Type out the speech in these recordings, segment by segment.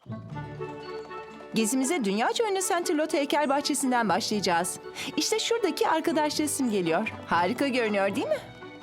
Gezimize dünyaca ünlü Saint-Elot heykel bahçesinden başlayacağız. İşte şuradaki arkadaş resim geliyor. Harika görünüyor değil mi?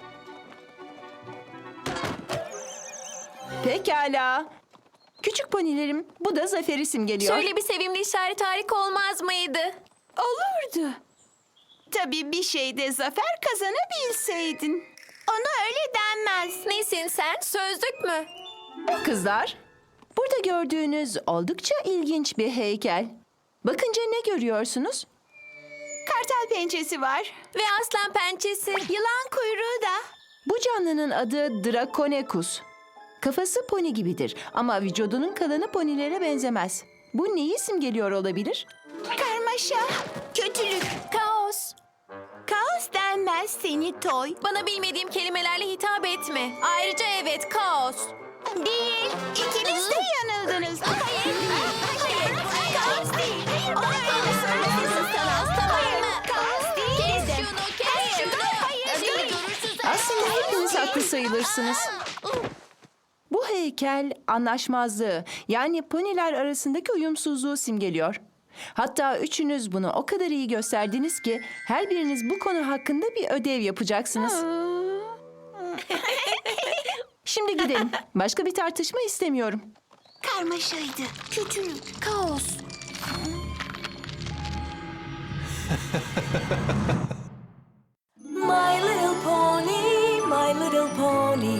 Pekala. Küçük ponilerim, bu da Zafer isim geliyor. Şöyle bir sevimli işaret harika olmaz mıydı? Olurdu. Tabii bir şeyde zafer kazanabilseydin. Ona öyle denmez. Nesin sen? Sözlük mü? Kızlar, burada gördüğünüz oldukça ilginç bir heykel. Bakınca ne görüyorsunuz? Kartal pençesi var. Ve aslan pençesi. Yılan kuyruğu da. Bu canlının adı Draconecus. Kafası poni gibidir ama vücudunun kalanı ponilere benzemez. Bu neyi simgeliyor olabilir? Karmaşa, kötülük. Kaos. Kaos denmez seni toy. Bana bilmediğim kelimelerle hitap etme. Ayrıca evet, kaos. Değil. İkiniz de yanıldınız. Hayır. Hayır. Kaos değil. Ona öyle söylemesin sana. Tamam mı? Kaos değil Kes dedim. şunu, kes şunu. Hayır. Aslında hepiniz haklı sayılırsınız. Bu heykel anlaşmazlığı, yani poniler arasındaki uyumsuzluğu simgeliyor. Hatta üçünüz bunu o kadar iyi gösterdiniz ki her biriniz bu konu hakkında bir ödev yapacaksınız. Şimdi gidelim. Başka bir tartışma istemiyorum. Karmaşaydı. Kötülük. Kaos. My little pony, my little pony.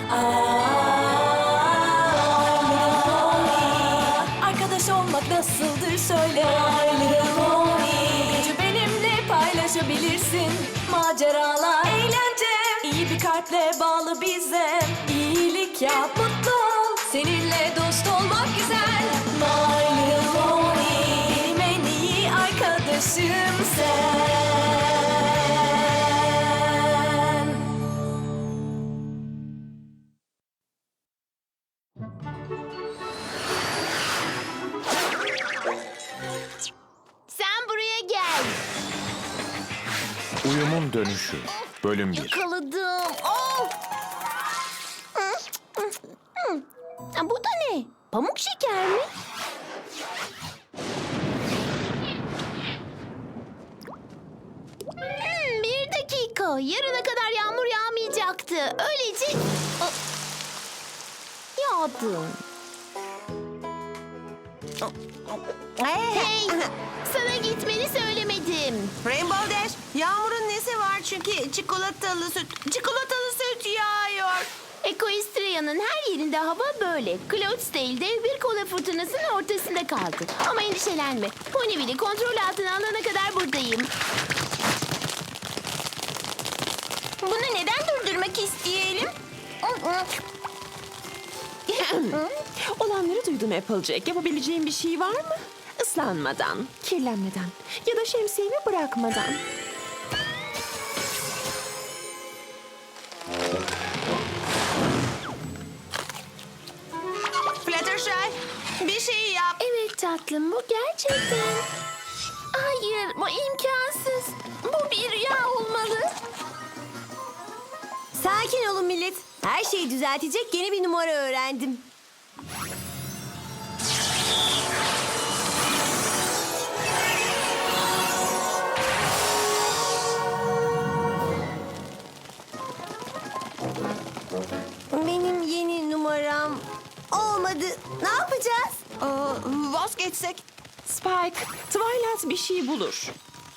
My little pony. Arkadaş olmak nasıldır söyle. My little pony. Gücü benimle paylaşabilirsin. Maceralar, eğlence. İyi bir kalple bağlı bize. İyilik yap, mutlu ol. Seninle dost olmak güzel. My little pony. Benim en iyi arkadaşım sen. Sen buraya gel. Uyumun Dönüşü Bölüm 1. Yakaladım. Oh! Bu da ne? Pamuk şeker mi? Bir dakika. Yarına kadar yağmur yağmayacaktı. Öylece... Yağdı. Hey! Sana gitmeni söylemedim. Rainbow Dash, yağmurun nesi var çünkü çikolatalı süt yağıyor. Equestria'nın her yerinde hava böyle. Cloudsdale dev bir kola fırtınasının ortasında kaldı. Ama endişelenme. Ponyville'i kontrol altına alana kadar buradayım. Bunu neden durdurmak isteyelim? Olanları duydum Applejack. Yapabileceğim bir şey var mı? Islanmadan, kirlenmeden ya da şemsiyemi bırakmadan. Fluttershy, bir şey yap. Evet tatlım, bu gerçekten. Hayır, bu imkansız. Bu bir rüya olmalı. Sakin olun millet. Her şeyi düzeltecek yeni bir numara öğrendim. Benim yeni numaram olmadı. Ne yapacağız? Vazgeçsek. Spike, Twilight bir şey bulur.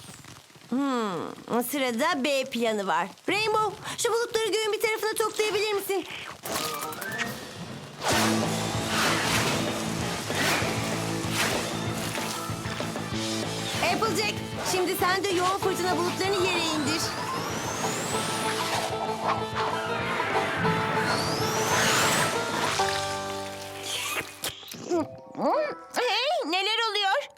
Sırada B planı var. Rainbow, şu bulutları göğün bir tarafına toplayabilir misin? Applejack, şimdi sen de yoğun fırtına bulutlarını yere indir. Hey, neler oluyor?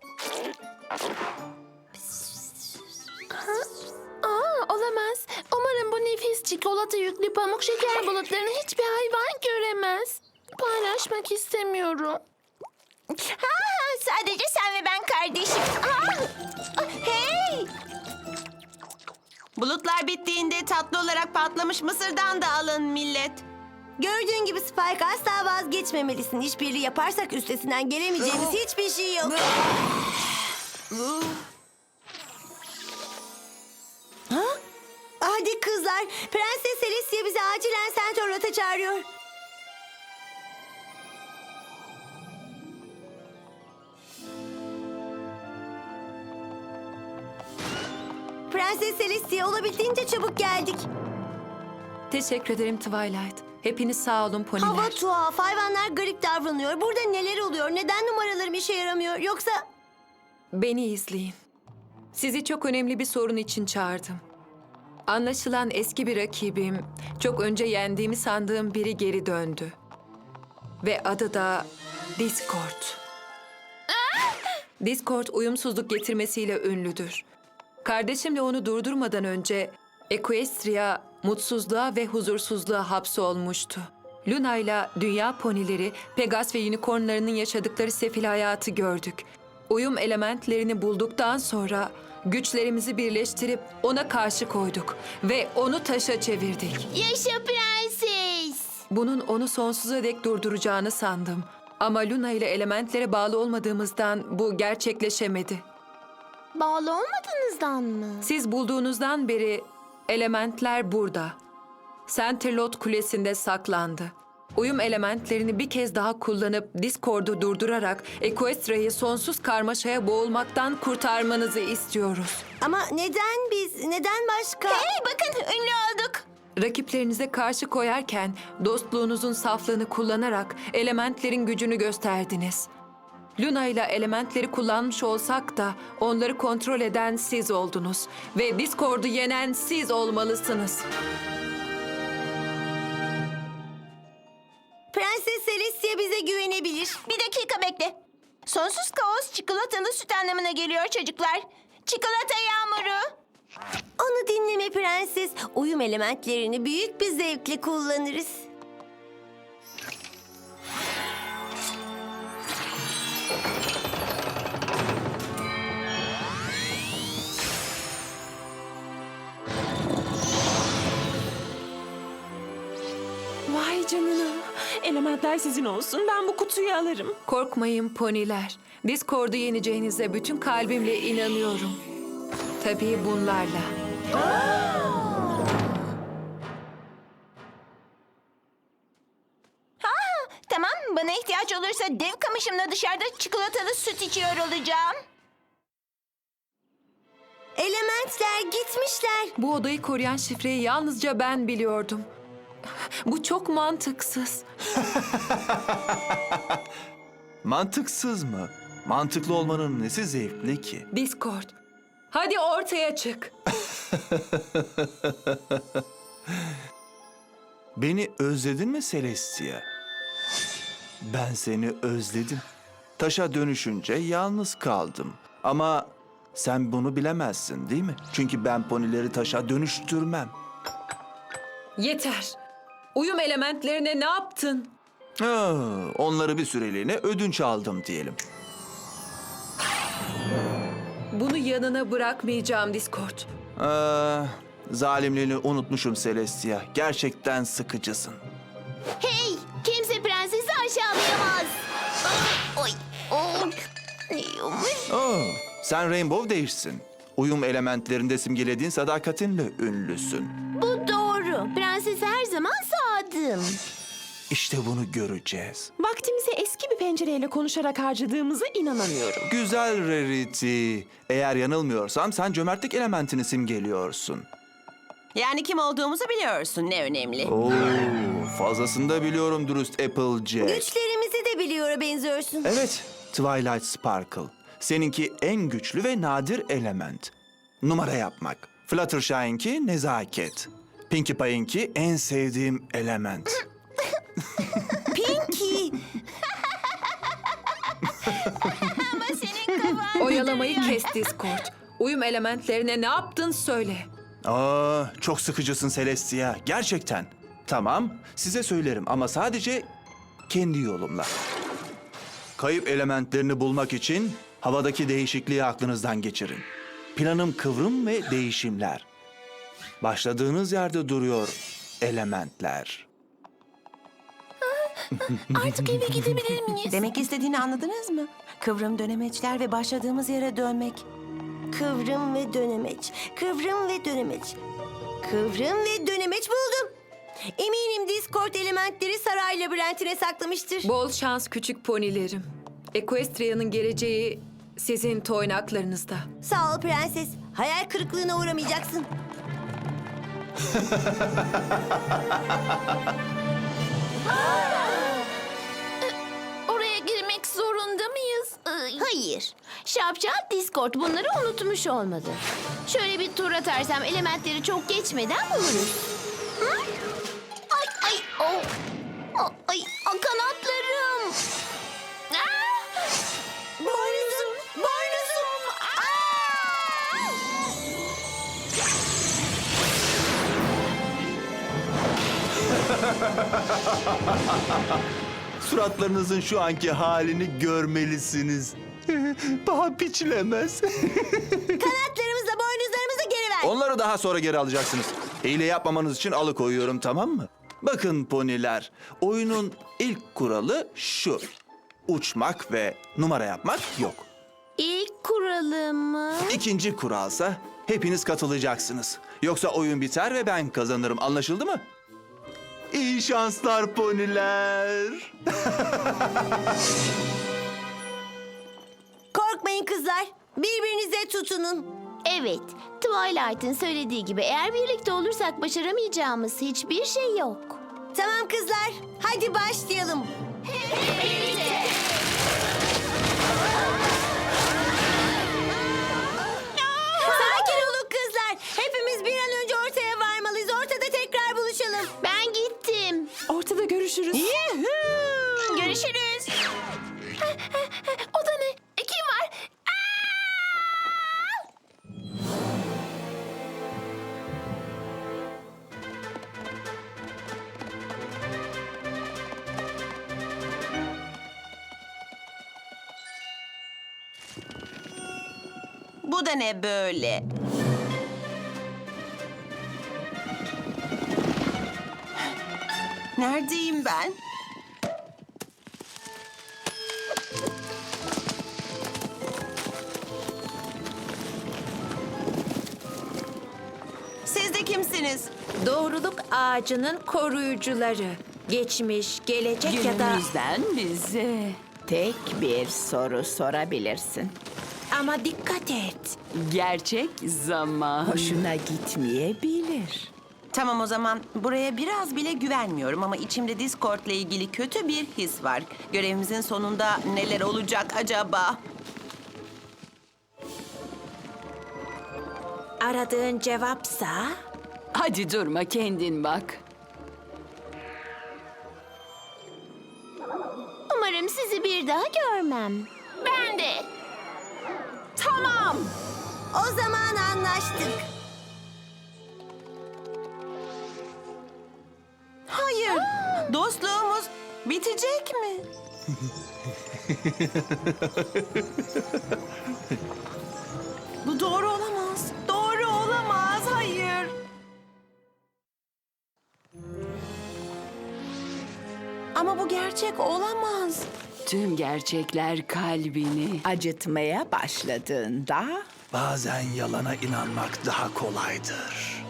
Olamaz. Umarım bu nefis çikolata yüklü pamuk şeker bulutlarını hiçbir hayvan göremez. Paylaşmak istemiyorum. Sadece sen ve ben kardeşim. Hey! Bulutlar bittiğinde tatlı olarak patlamış mısırdan da alın millet. Gördüğün gibi Spike, asla vazgeçmemelisin. İşbirliği yaparsak üstesinden gelemeyeceğimiz hiçbir şey yok. Ha? Hadi kızlar, Prenses Celestia bizi acilen Centaur'la çağırıyor. Prenses Celestia, olabildiğince çabuk geldik. Teşekkür ederim Twilight. Hepiniz sağ olun poniler. Hava tuhaf, hayvanlar garip davranıyor. Burada neler oluyor? Neden numaralarım işe yaramıyor? Yoksa... Beni izleyin. Sizi çok önemli bir sorun için çağırdım. Anlaşılan eski bir rakibim, çok önce yendiğimi sandığım biri geri döndü. Ve adı da Discord. Discord uyumsuzluk getirmesiyle ünlüdür. Kardeşimle onu durdurmadan önce Equestria mutsuzluğa ve huzursuzluğa hapsolmuştu. Luna ile dünya ponileri, Pegas ve unicornlarının yaşadıkları sefil hayatı gördük. Uyum elementlerini bulduktan sonra güçlerimizi birleştirip ona karşı koyduk ve onu taşa çevirdik. Yaşa prenses. Bunun onu sonsuza dek durduracağını sandım. Ama Luna ile elementlere bağlı olmadığımızdan bu gerçekleşemedi. Bağlı olmadığınızdan mı? Siz bulduğunuzdan beri elementler burada. Centerlot Kulesi'nde saklandı. Uyum elementlerini bir kez daha kullanıp Discord'u durdurarak Equestria'yı sonsuz karmaşaya boğulmaktan kurtarmanızı istiyoruz. Ama neden biz, neden başka? Hey bakın ünlü olduk. Rakiplerinize karşı koyarken dostluğunuzun saflığını kullanarak elementlerin gücünü gösterdiniz. Luna ile elementleri kullanmış olsak da onları kontrol eden siz oldunuz. Ve Discord'u yenen siz olmalısınız. Prenses Celestia bize güvenebilir. Bir dakika bekle. Sonsuz kaos çikolatalı süt anlamına geliyor çocuklar. Çikolata yağmuru. Onu dinleme prenses. Uyum elementlerini büyük bir zevkle kullanırız. Vay canına. Elementler sizin olsun. Ben bu kutuyu alırım. Korkmayın poniler. Discord'u yeneceğinize bütün kalbimle inanıyorum. Tabii bunlarla. Tamam, bana ihtiyaç olursa dev kamışımla dışarıda çikolatalı süt içiyor olacağım. Elementler gitmişler. Bu odayı koruyan şifreyi yalnızca ben biliyordum. Bu çok mantıksız. Mantıksız mı? Mantıklı olmanın nesi zevkli ki? Discord. Hadi ortaya çık. Beni özledin mi Celestia? Ben seni özledim. Taşa dönüşünce yalnız kaldım. Ama sen bunu bilemezsin değil mi? Çünkü ben ponileri taşa dönüştürmem. Yeter. Uyum elementlerine ne yaptın? Onları bir süreliğine ödünç aldım diyelim. Bunu yanına bırakmayacağım Discord. Zalimliğini unutmuşum Celestia. Gerçekten sıkıcısın. Hey, kimse prensesi aşağılayamaz. Oy, oy. Sen Rainbow değilsin. Uyum elementlerinde simgelediğin sadakatinle ünlüsün. Bu doğru. Prensese her zaman sadım. İşte bunu göreceğiz. Vaktimizi eski bir pencereyle konuşarak harcadığımıza inanamıyorum. Güzel Rarity. Eğer yanılmıyorsam sen cömertlik elementini simgeliyorsun. Yani kim olduğumuzu biliyorsun, ne önemli. Oo, fazlasını da biliyorum dürüst Applejack. Güçlerimizi de biliyor benziyorsun. Evet, Twilight Sparkle. Seninki en güçlü ve nadir element. Numara yapmak. Fluttershy'inki nezaket. Pinkie Pie'inki en sevdiğim element. Pinky. Ama senin kafan... Oyalamayı kes Discord. Uyum elementlerine ne yaptın söyle. Çok sıkıcısın Celestia. Gerçekten. Tamam, size söylerim ama sadece kendi yolumla. Kayıp elementlerini bulmak için havadaki değişikliği aklınızdan geçirin. Planım kıvrım ve değişimler. Başladığınız yerde duruyor elementler. Artık eve gidebilir miyiz? Demek istediğini anladınız mı? Kıvrım dönemeçler ve başladığımız yere dönmek. Kıvrım ve dönemeç. Kıvrım ve dönemeç. Kıvrım ve dönemeç buldum. Eminim Discord elementleri saray labirentine saklamıştır. Bol şans küçük ponilerim. Equestria'nın geleceği sizin toynaklarınızda. Sağ ol prenses. Hayal kırıklığına uğramayacaksın. Oraya girmek zorunda mıyız? Hayır. Şapşal Discord bunları unutmuş olmalı. Şöyle bir tur atarsam elementleri çok geçmeden buluruz. Hı? Ay ay oh. Ay kanatlarım. Aa! Boynuzum, boynuzum. Suratlarınızın şu anki halini görmelisiniz. Paha biçilemez. Kanatlarımızla boynuzlarımızı geri ver. Onları daha sonra geri alacaksınız. Hile yapmamanız için alıkoyuyorum, tamam mı? Bakın poniler, oyunun ilk kuralı şu. Uçmak ve numara yapmak yok. İlk kuralımı... İkinci kuralsa hepiniz katılacaksınız. Yoksa oyun biter ve ben kazanırım. Anlaşıldı mı? İyi şanslar poniler. Korkmayın kızlar. Birbirinize tutunun. Evet, Twilight'ın söylediği gibi eğer birlikte olursak başaramayacağımız hiçbir şey yok. Tamam kızlar. Hadi başlayalım. Sakin olun kızlar. Hepimiz bir an önce ortaya varmalıyız. Ortada tekrar buluşalım. Ben gittim. Ortada görüşürüz. Görüşürüz. O da ne? Kim var? Bu da ne böyle? Neredeyim ben? Siz de kimsiniz? Doğruluk ağacının koruyucuları. Geçmiş, gelecek ya da... Günümüzden bize tek bir soru sorabilirsin. Ama dikkat et. Gerçek zaman hoşuna gitmeyebilir. Tamam o zaman buraya biraz bile güvenmiyorum ama içimde Discord'la ilgili kötü bir his var. Görevimizin sonunda neler olacak acaba? Aradığın cevapsa... Hadi durma, kendin bak. Umarım sizi bir daha görmem. Ben de. Tamam. O zaman anlaştık. Hayır. Dostluğumuz bitecek mi? Bu doğru olamaz. Doğru olamaz. Hayır. Ama bu gerçek olamaz. Tüm gerçekler kalbini acıtmaya başladığında Bazen yalana inanmak daha kolaydır.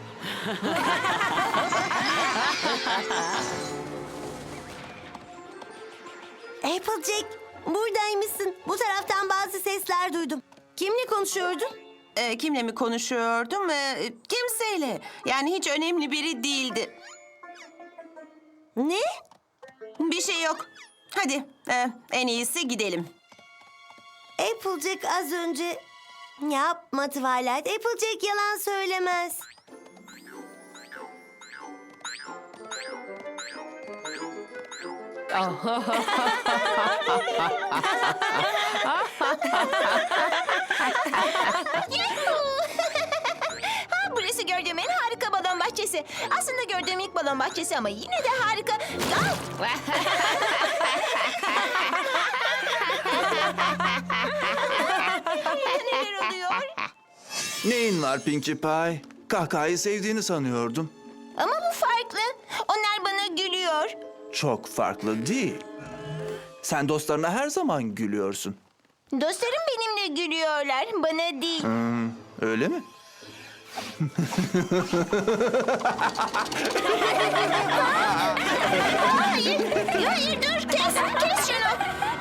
Applejack, buradaymışsın. Bu taraftan bazı sesler duydum. Kimle konuşuyordun? Kimle mi konuşuyordum? Kimseyle. Yani hiç önemli biri değildi. Ne? Bir şey yok. Hadi, en iyisi gidelim. Applejack az önce... Yapma Twilight. Applejack yalan söylemez. Burası gördüğüm en harika balon bahçesi. Aslında gördüğüm ilk balon bahçesi ama yine de harika. Neler oluyor? Neyin var Pinkie Pie? Kahkahayı sevdiğini sanıyordum. Ama bu farklı. Onlar bana gülüyor. çok farklı değil. Sen dostlarına her zaman gülüyorsun. Dostlarım benimle gülüyorlar, bana değil. Öyle mi? Hayır dur, kes şunu.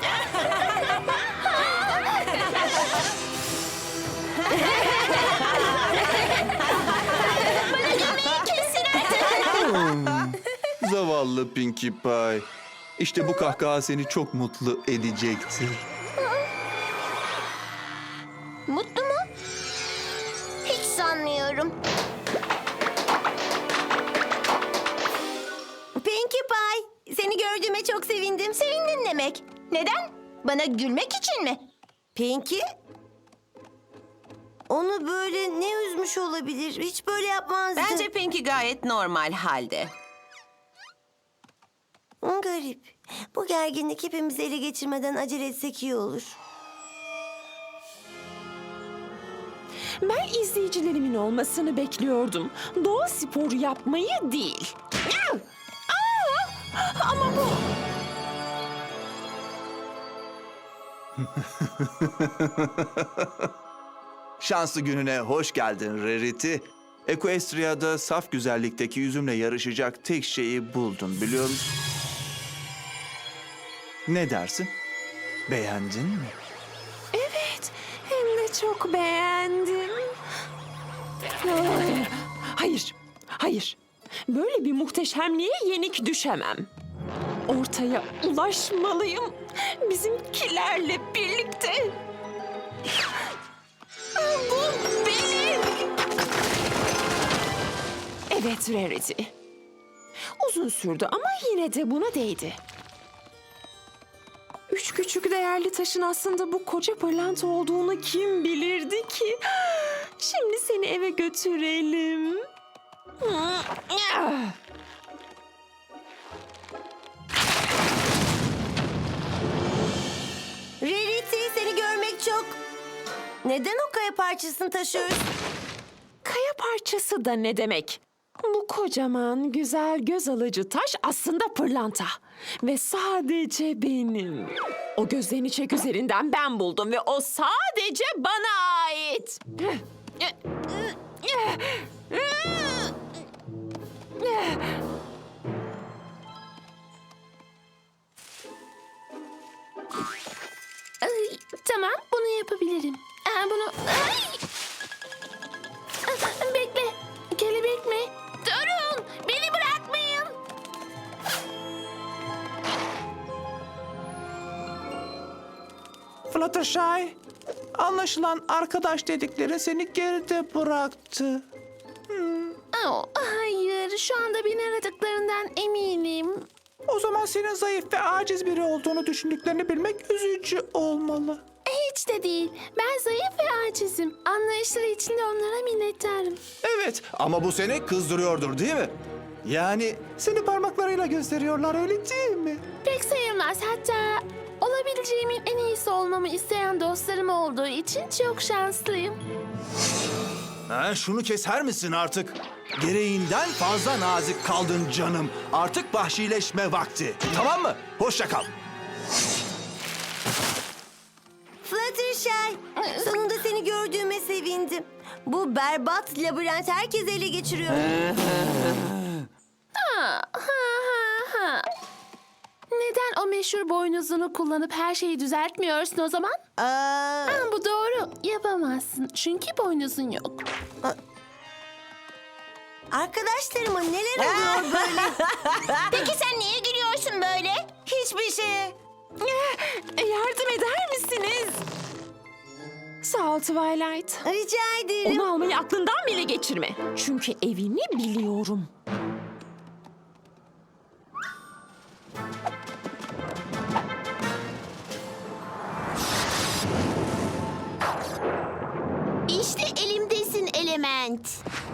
Bana gülmeyi kesin artık. Zavallı Pinkie Pie. İşte bu kahkaha seni çok mutlu edecektir. Mutlu mu? Hiç sanmıyorum. Pinkie Pie, seni gördüğüme çok sevindim. Sevindin demek. Neden? Bana gülmek için mi? Pinkie? Onu böyle ne üzmüş olabilir? Hiç böyle yapmazdı. Bence Pinkie gayet normal halde. Garip. Bu gerginlik hepimizi ele geçirmeden acele etsek iyi olur. Ben izleyicilerimin olmasını bekliyordum. Doğa sporu yapmayı değil. Ama bu... Şanslı gününe hoş geldin Rarity. Equestria'da saf güzellikteki yüzümle yarışacak tek şeyi buldun biliyor musun? Ne dersin? Beğendin mi? Evet, hem de çok beğendim. Hayır. Böyle bir muhteşemliğe yenik düşemem. Ortaya ulaşmalıyım. Bizimkilerle birlikte. Bu benim. Evet Rarity. Uzun sürdü ama yine de buna değdi. 3 küçük değerli taşın aslında bu koca pırlanta olduğunu kim bilirdi ki? Şimdi seni eve götürelim. Rarity, seni görmek çok... Neden o kaya parçasını taşıyoruz? Kaya parçası da ne demek? Bu kocaman, güzel, göz alıcı taş aslında pırlanta. Ve sadece benim. O gözlerini çek üzerinden ben buldum ve o sadece bana ait. Ay, tamam, bunu yapabilirim. Bunu... Ay! Bekle, kelebek mi? Durun, beni bırakmayın. Fluttershy, anlaşılan arkadaş dedikleri seni geride bıraktı. Oh, hayır, şu anda beni aradıklarından eminim. O zaman senin zayıf ve aciz biri olduğunu düşündüklerini bilmek üzücü olmalı. Hiç de değil. Ben zayıf ve acizim. Anlayışları için de onlara minnettarım. Evet ama bu seni kızdırıyordur değil mi? Yani seni parmaklarıyla gösteriyorlar öyle değil mi? Pek sayılmaz. Hatta olabileceğimin en iyisi olmamı isteyen dostlarım olduğu için çok şanslıyım. Ha, şunu keser misin artık? Gereğinden fazla nazik kaldın canım. Artık vahşileşme vakti. Tamam mı? Hoşça kal. Fluttershy, sonunda seni gördüğüme sevindim. Bu berbat labirent herkes ele geçiriyor. Neden o meşhur boynuzunu kullanıp her şeyi düzeltmiyorsun o zaman? Bu doğru. Yapamazsın. Çünkü boynuzun yok. Arkadaşlarıma neler oluyor böyle? Peki sen niye gülüyorsun böyle? Hiçbir şeye. Yardım eder misiniz? Sağ ol Twilight. Rica ederim. Onu almayı aklından bile geçirme. Çünkü evini biliyorum. İşte elimdesin element.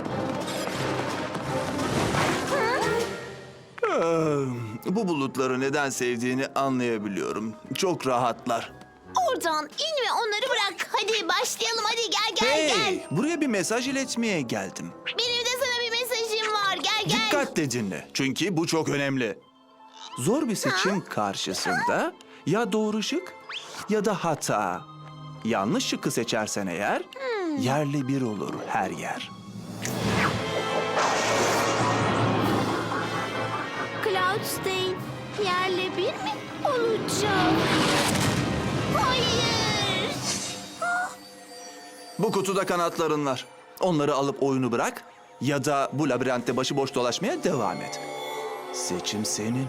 Bu bulutları neden sevdiğini anlayabiliyorum. Çok rahatlar. Oradan in ve onları bırak. Hadi başlayalım. Hadi gel. Buraya bir mesaj iletmeye geldim. Benim de sana bir mesajım var. Gel. Dikkatle dinle. Çünkü bu çok önemli. Zor bir seçim karşısında ya doğru şık ya da hata. Yanlış şıkkı seçersen eğer yerle bir olur her yer. Cloudsdale yerle bir mi olacak? Hayır. Bu kutuda kanatların var. Onları alıp oyunu bırak ya da bu labirentte başıboş dolaşmaya devam et. Seçim senin.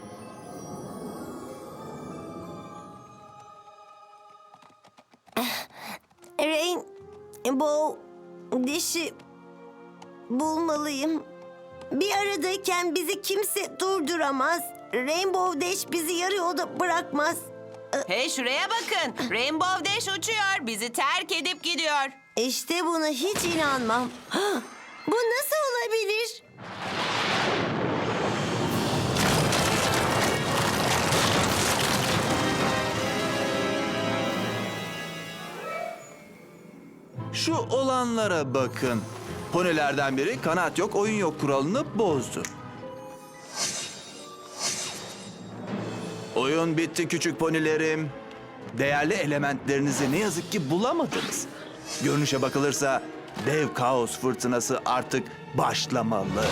Rainbow Dash'i bulmalıyım. Bir aradayken bizi kimse durduramaz. Rainbow Dash bizi yarı yolda bırakmaz. Hey şuraya bakın. Rainbow Dash uçuyor. Bizi terk edip gidiyor. İşte buna hiç inanmam. Bu nasıl olabilir? Şu olanlara bakın. Ponilerden biri kanat yok, oyun yok kuralını bozdu. Oyun bitti küçük ponilerim. Değerli elementlerinizi ne yazık ki bulamadınız. Görünüşe bakılırsa dev kaos fırtınası artık başlamalı.